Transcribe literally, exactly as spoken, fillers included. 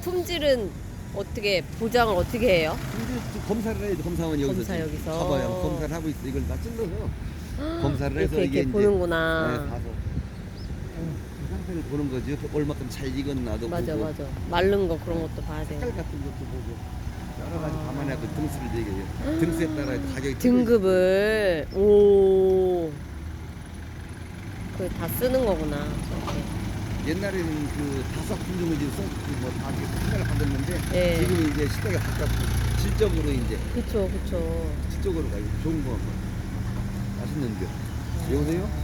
품질은 어떻게 보장을 어떻게 해요? 이제 또 검사를 해야지. 검사원 여기서 검사 지금 여기서. 봐봐요. 검사를 하고 있어. 이걸 다 찔러서 검사를 해서 이렇게, 이게 이렇게 이제 보는구나. 네, 봐서 그 상태를 보는 거지. 얼마큼 잘 익었나도 맞아 보고 맞아. 마른 거 그런 것도 봐야 돼. 색깔 같은 것도 보고 여러 가지 아. 감안하고 등수를 매겨요. 등수에 따라 가격이 등급을 오. 그 다 쓰는 거구나. 저렇게. 옛날에는 그 다섯 품종을 이제 뭐다 생각을 받았는데 예. 지금 이제 시대가 바뀌었고 질적으로 이제 그쵸 그쵸. 질적으로 가요. 좋은 거 맛있는 거. 여보세요?